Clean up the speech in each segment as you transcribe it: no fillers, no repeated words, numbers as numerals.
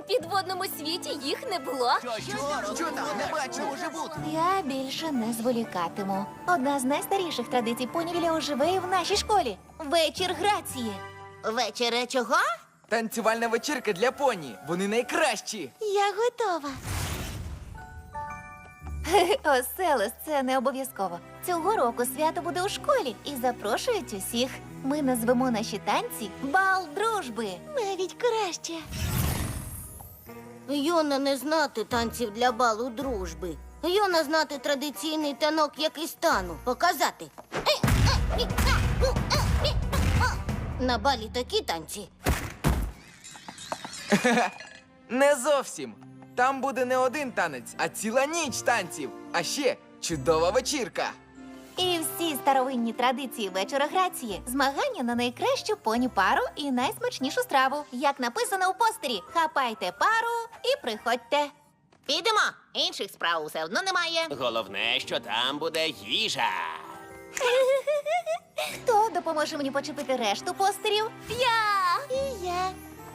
підводному світі їх не було. Що там? Не бачу, може бути. Я більше не зволікатиму. Одна з найстаріших традицій понівіля оживе і в нашій школі. Вечір грації. Вечере чого? Танцювальна вечірка для поні. Вони найкращі. Я готова. Оселес, це не обов'язково. Цього року свято буде у школі і запрошують усіх. Ми назвемо наші танці «Бал дружби». Навіть краще. Йона не знати танців для балу дружби. Йона знати традиційний танок, який стану. Показати. На балі такі танці. Не зовсім. Там буде не один танець, а ціла ніч танців. А ще чудова вечірка. І всі старовинні традиції вечора грації. Змагання на найкращу поні пару і найсмачнішу страву. Як написано у постері, хапайте пару і приходьте. Підемо. Інших справ все одно немає. Головне, що там буде їжа. Хто допоможе мені почепити решту постерів? Я! І я.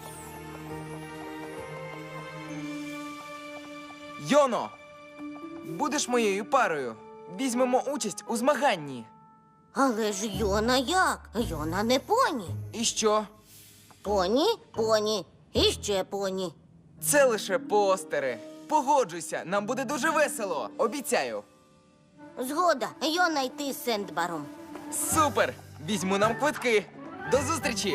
Йоно, будеш моєю парою. Візьмемо участь у змаганні. Але ж Йона як? Йона не поні. І що? Поні, поні і ще поні. Це лише постери. Погоджуйся, нам буде дуже весело. Обіцяю. Згода, Йона йти з Сендбаром. Супер! Візьму нам квитки. До зустрічі!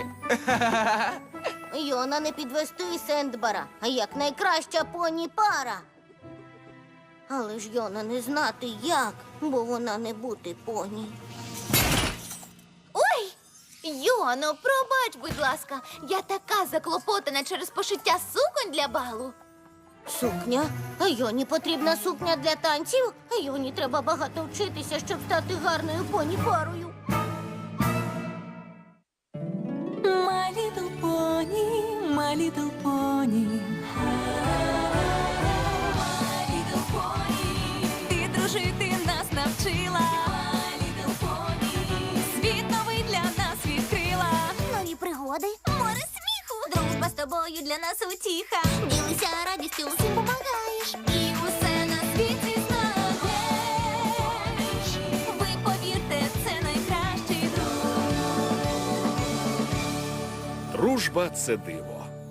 Йона не підвести Сендбара, а як найкраща поні пара. Але ж Йона не знати як, бо вона не бути поні. Ой! Йоно, пробач, будь ласка. Я така заклопотана через пошиття суконь для балу. Сукня? Йоні потрібна сукня для танців? Йоні треба багато вчитися, щоб стати гарною поні парою. My little pony, my little pony. My little pony. Ти дружити нас навчила. My little pony. Світ новий для нас відкрила. Нові пригоди, море сміху. Дружба з тобою для нас утіха. Ділися радістю, усім помагаєш. І усе на світі знаєш. Ви повірте, це найкращий друг. Дружба – це диво.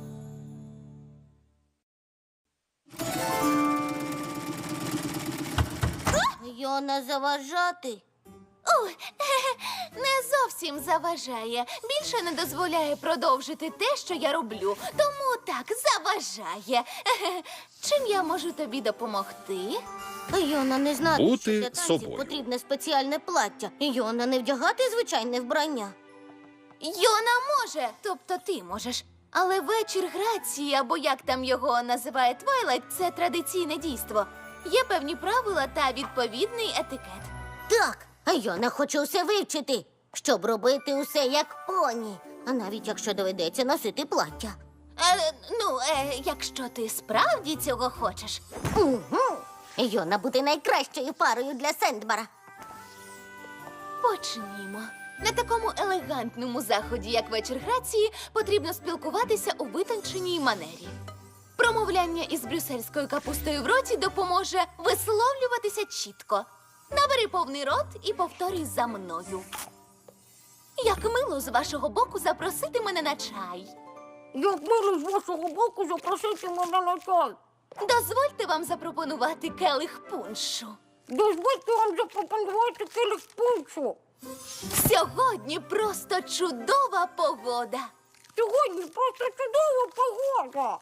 Йона заважати. Ой, не зовсім заважає. Більше не дозволяє продовжити те, що я роблю. Тому так, заважає. Чим я можу тобі допомогти? Йона не знати, Бути що для танців собою. потрібне спеціальне плаття. Йона не вдягати звичайне вбрання. Йона може, тобто ти можеш. Але вечір грації, або як там його називає Твайлайт, це традиційне дійство. Є певні правила та відповідний етикет. Так, Йона хоче усе вивчити, щоб робити усе як поні. А навіть якщо доведеться носити плаття. Якщо ти справді цього хочеш. Угу. Йона бути найкращою парою для Сендбара. Почнімо. На такому елегантному заході, як вечір грації, потрібно спілкуватися у витонченій манері. Промовляння із брюссельською капустою в роті допоможе висловлюватися чітко. Набери повний рот і повторюй за мною. Як мило з вашого боку запросити мене на чай. Як мило з вашого боку запросити мене на чай. Дозвольте вам запропонувати келих пуншу. Дозвольте вам запропонувати келих пуншу. Сьогодні просто чудова погода. Сьогодні просто чудова погода.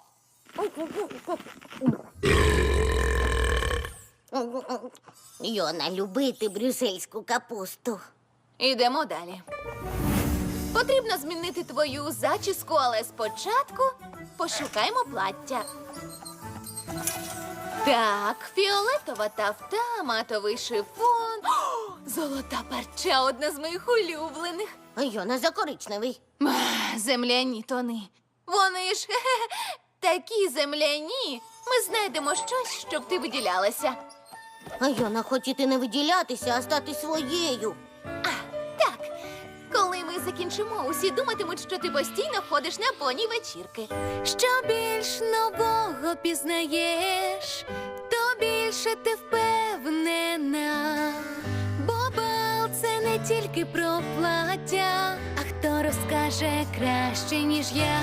Йона любити брюссельську капусту. Ідемо далі. Потрібно змінити твою зачіску, але спочатку пошукаймо плаття. Так, фіолетова тафта, матовий шифон. О, золота парча, одна з моїх улюблених. Йона за коричневий. Земляні тони. Вони ж такі земляні. Ми знайдемо щось, щоб ти виділялася. Йона хотіти не виділятися, а стати своєю. Так, коли ми закінчимо, усі думатимуть, що ти постійно ходиш на поні вечірки. Що більш нового пізнаєш, то більше ти впевнена. Бо бал – це не тільки про плаття, а хто розкаже краще, ніж я.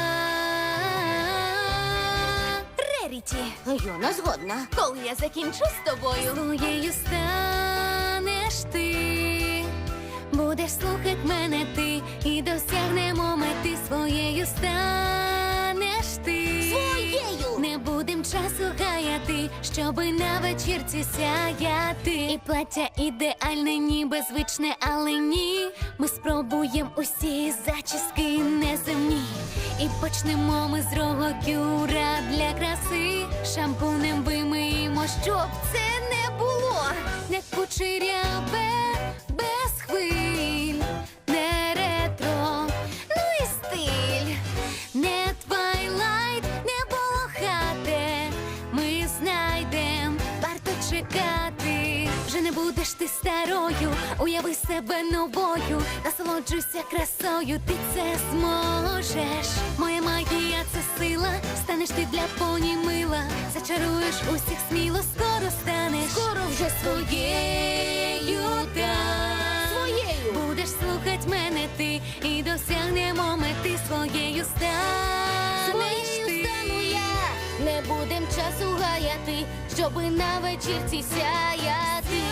Реріті, Йона згодна. Коли я закінчу з тобою, своєю станеш ти. Будеш слухать мене ти, і досягнемо мети. Своєю станеш ти. Своєю! Не будем часу гаяти, щоби на вечірці сяяти. І плаття ідеальне, ніби звичне, але ні. Ми спробуємо усі зачіски неземні. І почнемо ми з рогокюра для краси. Шампунем вимиємо, щоб це не було. Не кучеряве, без хвиль, не ретро, ну і стиль. Не твайлайт, не полохате. Ми знайдем, варто чекати. Вже не будеш ти старою, уяви себе новою. Насолоджуйся красою, ти це зможеш. Моя магія – це сила, станеш ти для поні мила. Зачаруєш усіх сміло, скоро станеш. Скоро вже своєю, так. Своєю! Будеш слухать мене ти, і досягнемо мети. Своєю станеш Своєю ти. стану я! Не будем часу гаяти, щоби на вечірці сяяти.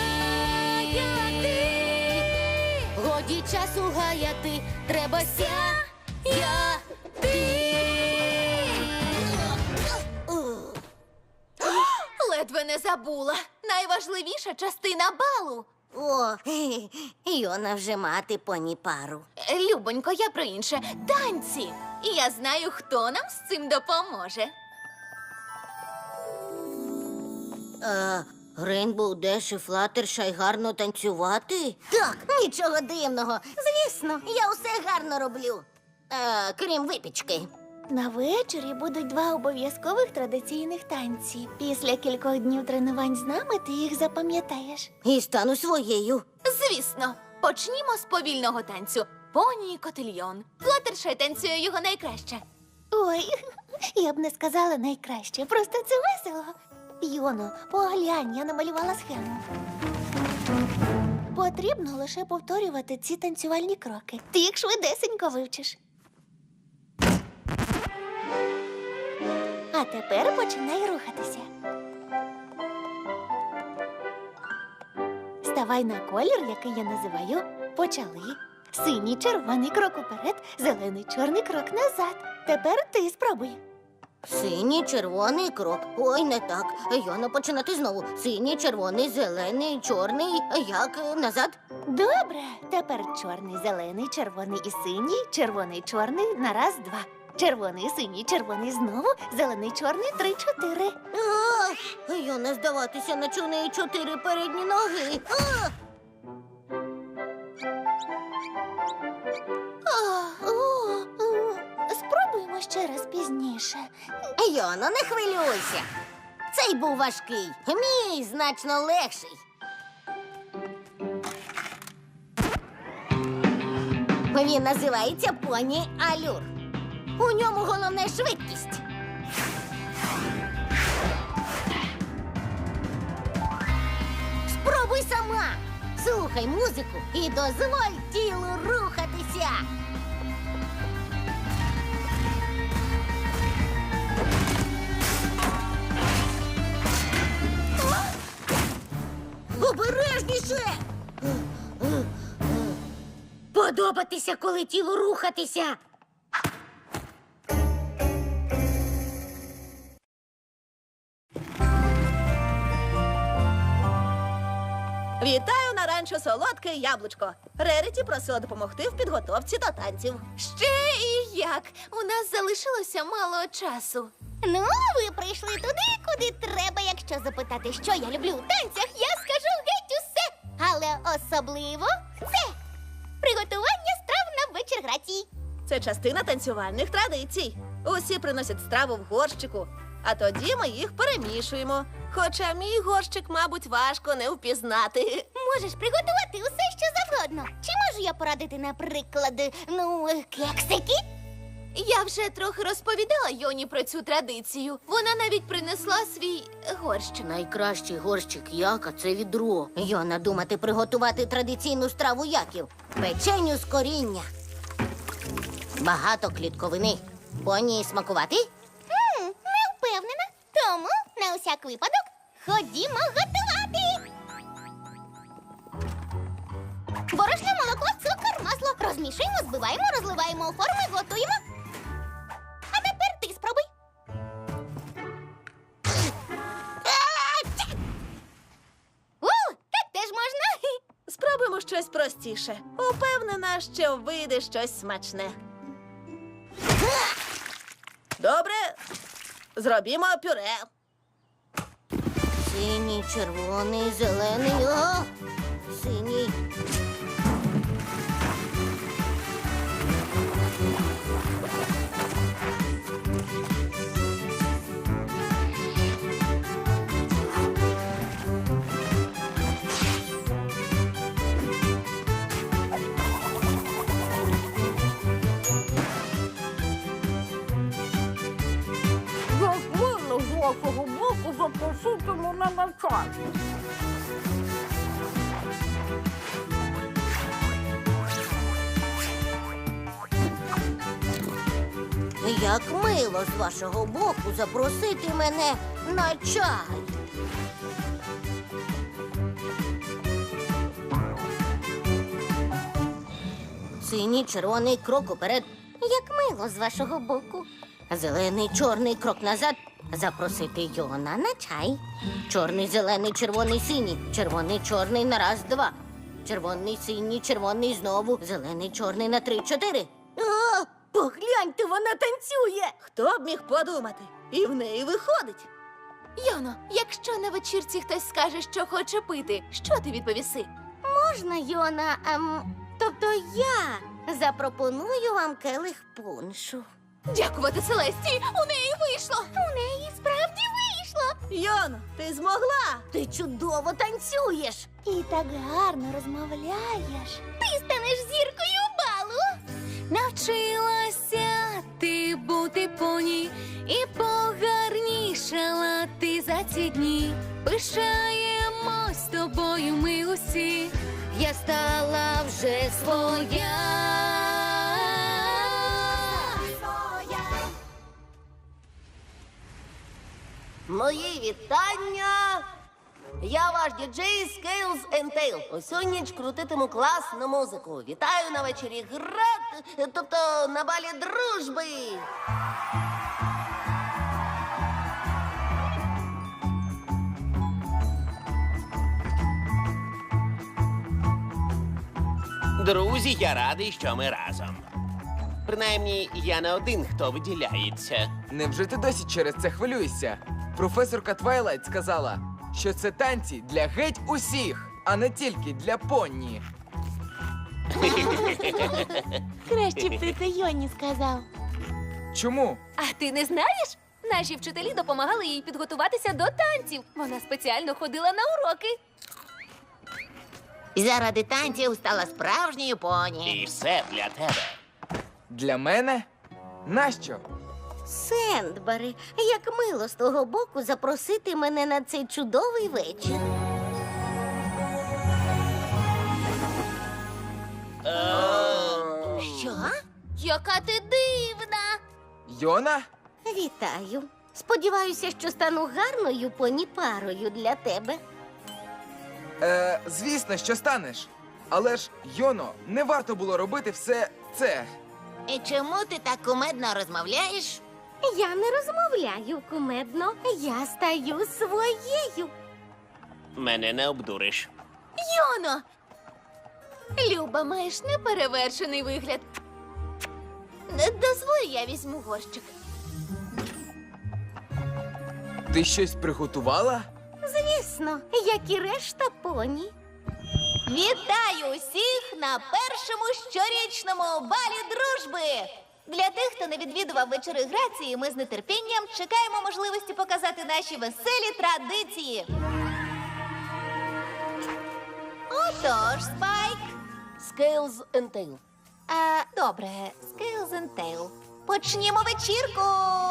Годі часу гаяти, треба сяяти. ледве не забула. Найважливіша частина балу. О, Йона вже мати поні пару. Любонько, я про інше. Танці. І я знаю, хто нам з цим допоможе. Рейнбоу Деш і Флаттершай гарно танцювати? Так, нічого дивного. Звісно, я усе гарно роблю. Крім випічки. На вечорі будуть 2 обов'язкових традиційних танці. Після кількох днів тренувань з нами ти їх запам'ятаєш. І стану своєю. Звісно, почнімо з повільного танцю. Поні і котильйон. Флаттершай танцює його найкраще. Ой, я б не сказала найкраще, просто це весело. Йоно, поглянь, я намалювала схему. Потрібно лише повторювати ці танцювальні кроки. Ти їх швидесенько вивчиш. А тепер починай рухатися. Ставай на колір, який я називаю «почали». Синій, червоний крок уперед, зелений, чорний крок назад. Тепер ти спробуй. Синій, червоний крок. Ой, не так. Йона, починати знову. Синій, червоний, зелений, чорний. Як назад? Добре. Тепер чорний, зелений, червоний і синій, червоний, чорний на раз, 2. Червоний, синій, червоний знову, зелений, чорний, 3, 4. Йона, здаватися, наче у неї 4 передні ноги. Спробуємо ще раз пізніше. Йоно, не хвилюйся. Цей був важкий. Мій значно легший. Він називається поні Алюр. У ньому головне швидкість. Спробуй сама. Слухай музику і дозволь тілу рухатися. Обережніше! Подобатися, коли тілу рухатися. Вітаю на ранчо солодке яблучко. Реріті просила допомогти в підготовці до танців. Ще і як. У нас залишилося мало часу. Ну, ви прийшли туди, куди треба. Якщо запитати, що я люблю у танцях, я скажу геть усе. Але особливо це приготування страв на вечір грації. Це частина танцювальних традицій. Усі приносять страву в горщику, а тоді ми їх перемішуємо. Хоча мій горщик, мабуть, важко не впізнати. Можеш приготувати усе, що завгодно. Чи можу можу я порадити, наприклад, кексики? Я вже трохи розповідала Йоні про цю традицію. Вона навіть принесла свій горщик. Найкращий горщик яка це відро. Йона думати приготувати традиційну страву яків. Печеню з коріння. Багато клітковини. Поні смакувати? Не впевнена. Тому, на усяк випадок, ходімо готувати. Борошно, молоко, цукор, масло. Розмішуємо, збиваємо, розливаємо у форми, готуємо. А тепер ти спробуй. Так теж можна. Спробуємо щось простіше. Упевнена, що вийде щось смачне. Добре, зробімо пюре. Синій, червоний, зелений. О! Синій. Як мило з вашого боку запросити мене на чай. Синій, червоний крок уперед. Як мило з вашого боку. Зелений, чорний крок назад. Запросити Йона на чай. Чорний, зелений, червоний, синій. Червоний, чорний на раз, два. Червоний, синій, червоний знову. Зелений, чорний на три, чотири. О, погляньте, вона танцює. Хто б міг подумати? І в неї виходить. Йоно, якщо на вечірці хтось скаже, що хоче пити, що ти відповіси? Можна, Йона, тобто я запропоную вам келих пуншу. Дякувати Селесті, у неї вийшло. У неї справді вийшло. Йоно, ти змогла! Ти чудово танцюєш. І так гарно розмовляєш. Ти станеш зіркою балу. Навчилася ти бути поні, і погарнішала ти за ці дні. Пишаємось тобою ми усі. Я стала вже своя. Мої вітання! Я ваш діджей Scales and Tail. Усю ніч крутитиму класну музику. Вітаю на вечорі град, тобто на балі дружби. Друзі, я радий, що ми разом. Принаймні, я не один, хто виділяється. Невже ти досі через це хвилюєшся? Професорка Твайлайт сказала, що це танці для геть усіх, а не тільки для Понні. Краще б ти це Йоні сказав. Чому? А ти не знаєш? Наші вчителі допомагали їй підготуватися до танців. Вона спеціально ходила на уроки. Заради танців стала справжньою поні. І все для тебе. Для мене? Нащо? Сендбери, як мило з того боку запросити мене на цей чудовий вечір. Що? Яка ти дивна! Йона? Вітаю. Сподіваюся, що стану гарною поні-парою для тебе. Звісно, що станеш. Але ж, Йоно, не варто було робити все це. І чому ти так кумедно розмовляєш? Я не розмовляю кумедно, я стаю своєю. Мене не обдуриш. Йоно! Люба, маєш неперевершений вигляд. Дозволь, я візьму горщик. Ти щось приготувала? Звісно, як і решта поні. Вітаю усіх на першому щорічному балі дружби! Для тих, хто не відвідував вечори грації, ми з нетерпінням чекаємо можливості показати наші веселі традиції. Отож, Спайк, Scales and Tail. Добре, Scales and Tail. Почнімо вечірку.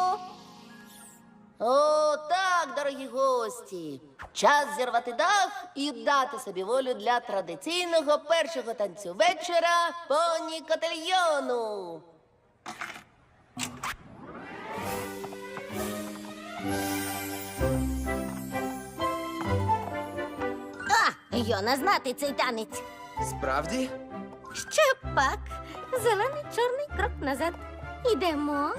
О, так, дорогі гості. Час зірвати дах і дати собі волю для традиційного першого танцю вечора поні котельйону. Йона знати цей танець. Справді? Ще пак. Зелений чорний крок назад. Ідемо.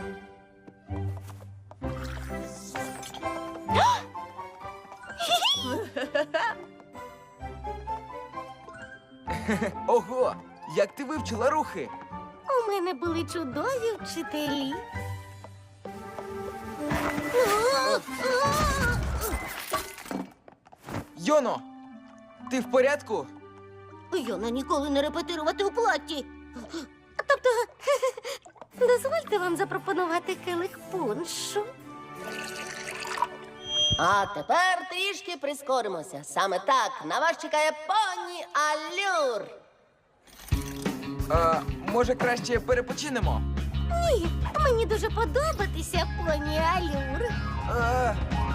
Ого! Як ти вивчила рухи? У мене були чудові вчителі. Йоно! Ти в порядку? Йона ніколи не репетирувати у платі. Тобто, дозвольте вам запропонувати келих пуншу. А тепер трішки прискоримося. Саме так на вас чекає поні Алюр. Може, краще перепочинемо? Ні, мені дуже подобатися, поні Алюр. А,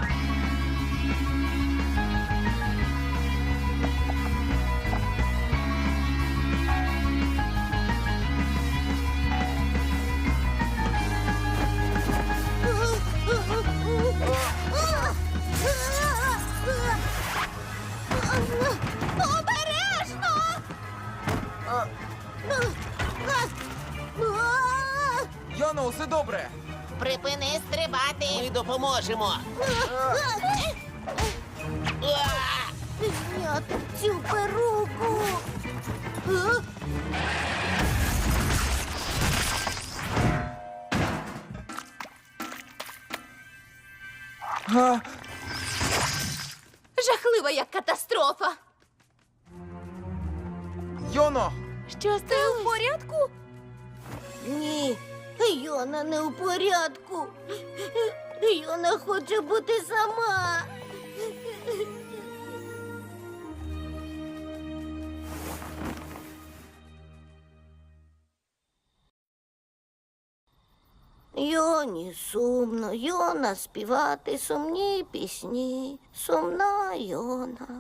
Йоно, усе добре! Припини стрибати. Ми допоможемо. Зняти цю перуку. А, Жахлива як катастрофа. Йоно! Що ти в порядку? Ні, Йона не у порядку. Йона хоче бути сама. Йоні сумно, Йона співати сумні пісні, сумна Йона.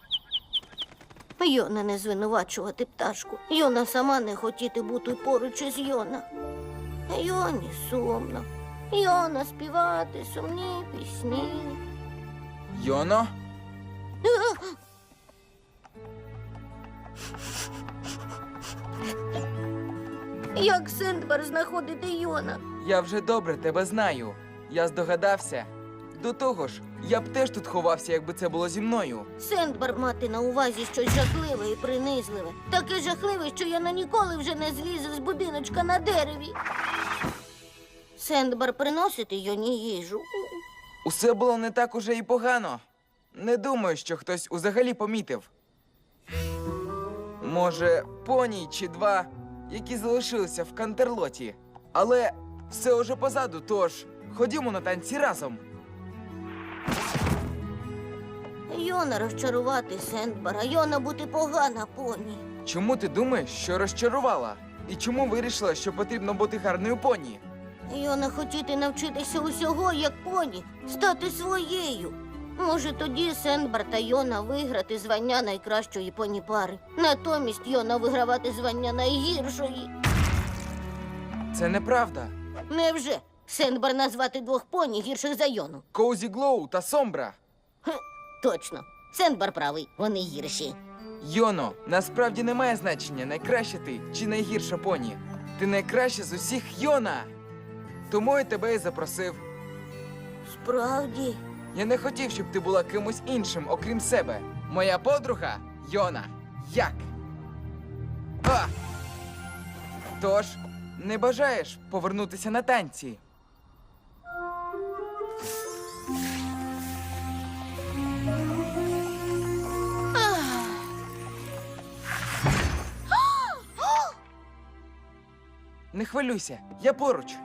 Йона не звинувачувати пташку. Йона сама не хотіти бути поруч із Йона. Йоні сумно. Йона співати сумні пісні. Йоно? Як Сендбар знаходити Йона? Я вже добре тебе знаю. Я здогадався. До того ж, я б теж тут ховався, якби це було зі мною. Сендбар мати на увазі щось жахливе і принизливе. Таке жахливе, що Йона ніколи вже не злізе з будиночка на дереві. Сендбар приносити Йоні їжу. Усе було не так уже і погано. Не думаю, що хтось взагалі помітив. Може, поні чи два, які залишилися в Кантерлоті. Але все уже позаду, тож ходімо на танці разом. Йона розчарувати Сендбара, Йона бути погана поні. Чому ти думаєш, що розчарувала? І чому вирішила, що потрібно бути гарною поні? Йона хотіти навчитися усього, як поні, стати своєю. Може, тоді Сендбар та Йона виграти звання найкращої поні пари. Натомість Йона вигравати звання найгіршої. Це неправда. Невже? Сендбар назвати двох поні гірших за Йону? Коузі Глоу та Сомбра. Точно. Сендбар правий, вони гірші. Йоно, насправді немає значення, найкраща ти чи найгірша поні. Ти найкраща з усіх Йона. Тому я тебе і запросив. Справді? Я не хотів, щоб ти була кимось іншим, окрім себе. Моя подруга Йона. Як? А! Тож, не бажаєш повернутися на танці? Не хвилюйся, я поруч.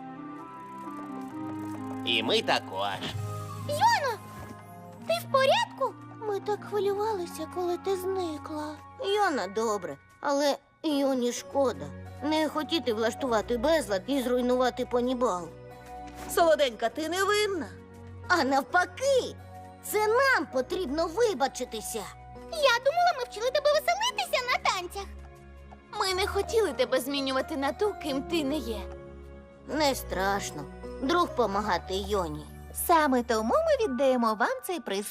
І ми також. Ти в порядку? Ми так хвилювалися, коли ти зникла. Йона, добре, але Йоні шкода. Не хотіти влаштувати безлад і зруйнувати понібал. Солоденька, ти не винна. А навпаки, це нам потрібно вибачитися. Я думала, ми вчили тебе веселитися на танцях. Ми не хотіли тебе змінювати на ту, ким ти не є. Не страшно. Друг помагати Йоні. Саме тому ми віддаємо вам цей приз.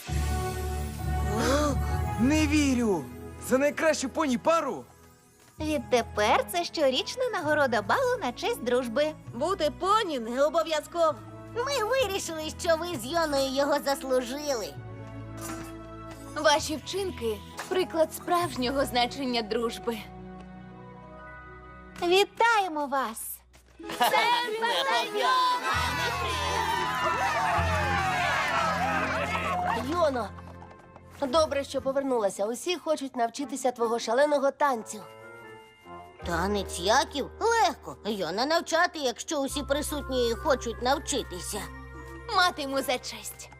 Не вірю! За найкращу поні пару? Відтепер це щорічна нагорода балу на честь дружби. Бути поні не обов'язково. Ми вирішили, що ви з Йоною його заслужили. Ваші вчинки приклад справжнього значення дружби. Вітаємо вас! Йоно, добре, що повернулася. Усі хочуть навчитися твого шаленого танцю. Танець яків? Легко. Йона навчати, якщо усі присутні хочуть навчитися. Матиму за честь.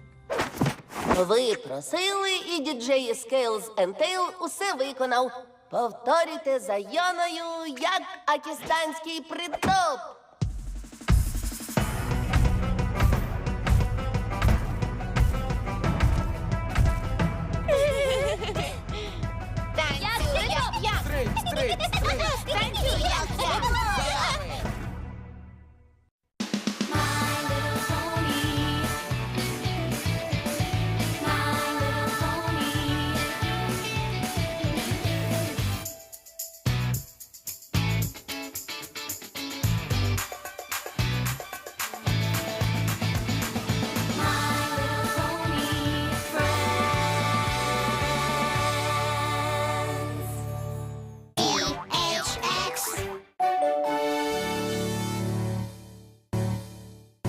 Ви просили, і діджей Scales Tail усе виконав. Повторюйте за Йоною, як акістанський притоп. Стрейт, стрейт, стрейт!